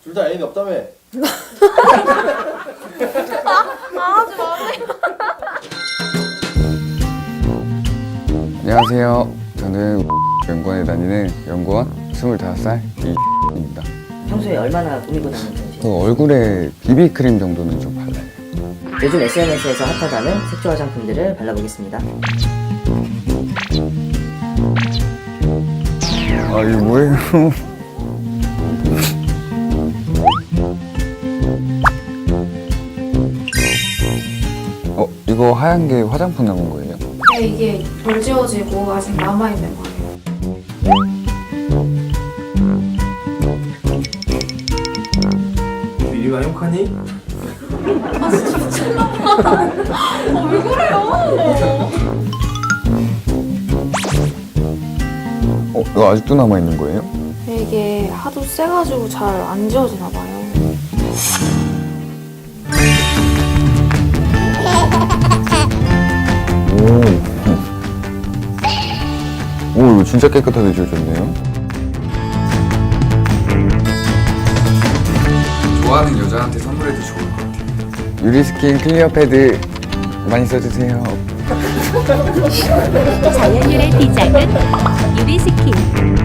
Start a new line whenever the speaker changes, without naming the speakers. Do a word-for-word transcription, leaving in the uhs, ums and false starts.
둘 다 애인이 없다며?
아, 하지 마세요.
안녕하세요. 저는 연구원에 다니는 연구원 스물다섯 살 이입니다.
평소에 얼마나 꾸미고 다니는 편이세요?
그 얼굴에 비비크림 정도는 좀 발라요.
요즘 에스엔에스에서 핫하다는 색조 화장품들을 발라보겠습니다.
아 이거 뭐예요? 어 이거 하얀 게 화장품 남은 거예요?
네, 이게 덜 지워지고 아직 남아있는 거예요.
미리가 행복하니?
아, 진짜 미쳤나봐. 어, 왜 그래요?
어 이거 아직도 남아 있는 거예요?
네, 이게 하도 세가지고 잘 안 지워지나 봐요.
오, 오 이거 진짜 깨끗하게 지워졌네요. 좋아하는 여자한테 선물해도 좋을 것 같아요. 유리스킨 클리어 패드 많이 써주세요.
자연유래 디자인 유리스킨